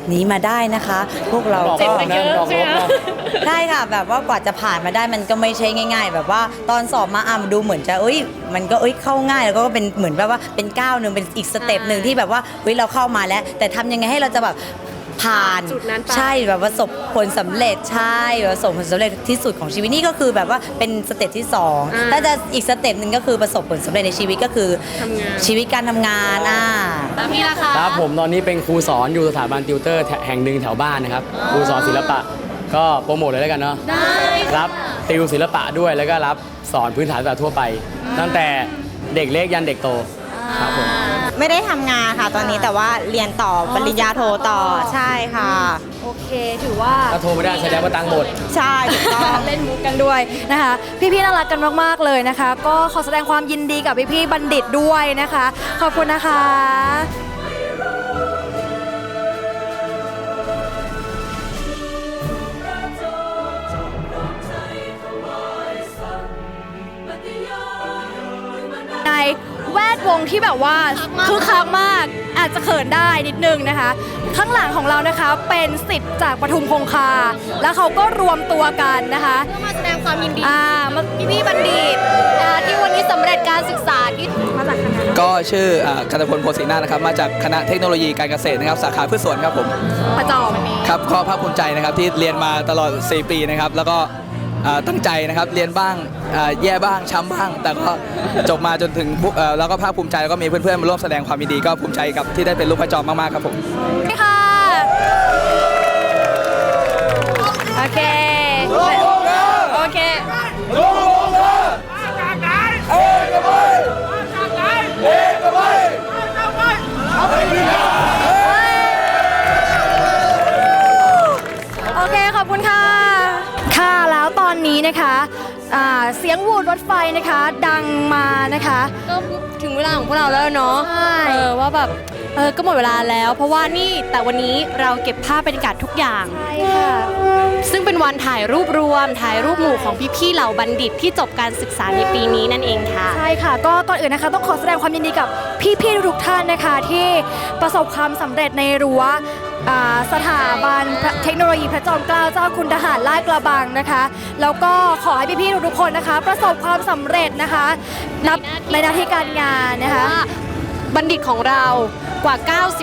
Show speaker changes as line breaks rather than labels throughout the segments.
นี้มาได้นะคะ พวกเราก็ใช่ค่ะแบบว่ากว่าจะผ่านมาได้มันก็ไม่ใช่ง่าย ๆ แบบว่าตอนสอบมาดูเหมือนจะมันก็เข้าง่ายแล้วก็เป็นเหมือนแบบว่าเป็นก้าวหนึ่งเป็นอีกสเต็ปหนึ่งที่แบบว่าเราเข้ามาแล้วแต่ทำยังไงให้เราจะแบบผ่านใช่แบบประสบผลสำเร็จใช่ประสบผลสำเร็จที่สุดของชีวิตนี่ก็คือแบบว่าเป็นสเต็ปที่2ถ้าจะอีกสเต็ปหนึ่งก็คือประสบผลสำเร็จในชีวิตก็คือชีวิตการทำงาน
แล้วพี่ล่ะคะ
ครับผมตอนนี้เป็นครูสอนอยู่สถาบันติวเตอร์แห่งหนึ่งแถวบ้านนะครับครูสอนศิลปะก็โปรโมทเลยแล้วกันเนาะรับติวศิลปะด้วยแล้วก็รับสอนพื้นฐานศิลปะทั่วไปตั้งแต่เด็กเล็กยันเด็กโตครับผม
ไม่ได้ทำงานค่ะตอนนี้แต่ว่าเรียนต่อปริญญาโทต่อใช่ค่ะ
โอเคถือว่า
ถ้าโทรไม่ได้แสดงว่าตังค์หมด
ใช่ถูกต้อง
เล่นมุกกันด้วยนะคะพี่ๆน่ารักกันมากๆเลยนะคะก็ขอแสดงความยินดีกับพี่ๆบัณฑิตด้วยนะคะขอบคุณนะคะในแวดวงที่แบบว่าคือคักมากอาจจะเขินได้นิดนึงนะคะข้างหลังของเรานะคะเป็นศิษย์จากปทุมคงคาแล้วเขาก็รวมตัวกันนะคะ
มาแสดงความยินดี
พี่บัณฑิต
ที่วันนี้สำเร็จการศึกษาที่
มาจากคณะ
ก็ชื่อกันตพลโพสีนานะครับมาจากคณะเทคโนโลยีการเกษตรนะครับสาขาพืชสวนครับผม
ประจอม
ครับก็ภาคภูมิใจนะครับที่เรียนมาตลอด4 ปีนะครับแล้วก็ตั้งใจนะครับเรียนบ้างแย่บ้างช้ำบ้างแต่ก็จบมาจนถึงแล้วก็ภาคภูมิใจแล้วก็มีเพื่อนๆมาร่วมแสดงความยินดีก็ภูมิใจกับที่ได้เป็นลูกพระจอมมากๆครับผม
ค่ะโอเคโอเคโอเคขอบคุณค่ะค่ะแล้วตอนนี้นะคะเสียงวูดรถไฟนะคะดังมานะคะ
ก็ถึงเวลาของพวกเราแล้วเนาะ
ใช่
ว่าแบบก็หมดเวลาแล้วเพราะว่านี่แต่วันนี้เราเก็บภาพบรรยากาศทุกอย่าง
ใช่ค่ะ
ซึ่งเป็นวันถ่ายรูปรวมถ่ายรูปหมู่ของพี่ๆเหล่าบัณฑิตที่จบการศึกษาในปีนี้นั่นเองค่ะ
ใช่ค่ะก็ก่อนอื่นนะคะต้องขอแสดงความยินดีกับพี่ๆทุกท่านนะคะที่ประสบความสำเร็จในรั้วสถาบันเทคโนโลยีพระจอมเกล้าเจ้าคุณทหารลาดกระบังนะคะแล้วก็ขอให้พี่ๆทุกคนนะคะประสบความสำเร็จนะคะนับในหน้าที่การงานนะคะ
บัณฑิตของเรากว่า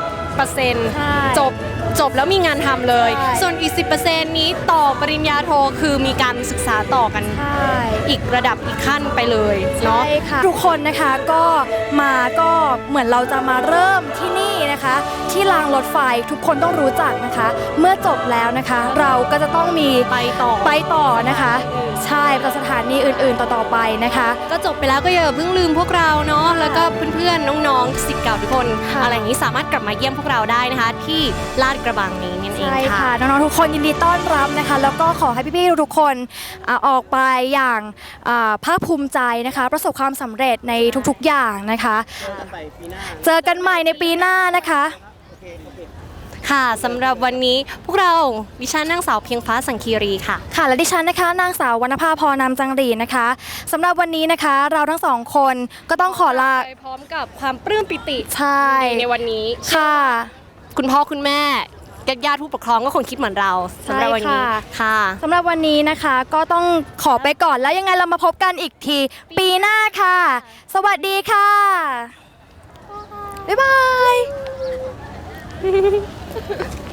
90% จบแล้วมีงานทำเลยส่วนอีก 10% นี้ต่อปริญญาโทคือมีการศึกษาต่อกันอีกระดับอีกขั้นไปเลยเนาะ
ทุกคนนะคะก็เหมือนเราจะมาเริ่มที่นี่นะคะที่รางรถไฟทุกคนต้องรู้จักนะคะเมื่อจบแล้วนะคะเราก็จะต้องมี
ไป
ต่อนะคะใช่ประสถานีอื่นๆต่อไปนะคะ
ก็จบไปแล้วก็อย่าเพิ่งลืมพวกเราเนาะแล้วก็เพื่อนๆน้องๆศิษย์เก่าทุกคนอะไรอย่างนี้สามารถกลับมาเยี่ยมพวกเราได้นะคะที่ลาดกระบังนี้นั่นเองค่ะ
น้องๆทุกคนยินดีต้อนรับนะคะแล้วก็ขอให้พี่ๆทุกคนออกไปอย่างภาคภูมิใจนะคะประสบความสำเร็จในทุกๆอย่างนะคะเจอกันใหม่ในปีหน้านะคะ
ค่ะสำหรับวันนี้พวกเราดิฉันนางสาวเพียงฟ้าสังคีรีค่ะ
ค่ะและดิฉันนะคะนางสาววรรณภาพรนามจังหรีนะคะสำหรับวันนี้นะคะเราทั้งสองคนก็ต้องขอลา
ไปพร้อมกับความปลื้มปิติ
ใช่
ในวันนี้
ค่ะ
คุณพ่อคุณแม่ญาติผู้ปกครองก็คงคิดเหมือนเราสำหรับวันนี้ค่ะ
สำหรับวันนี้นะคะก็ต้องขอไปก่อนแล้วยังไงเรามาพบกันอีกทีปีหน้าค่ะสวัสดีค่ะบ๊ายบาย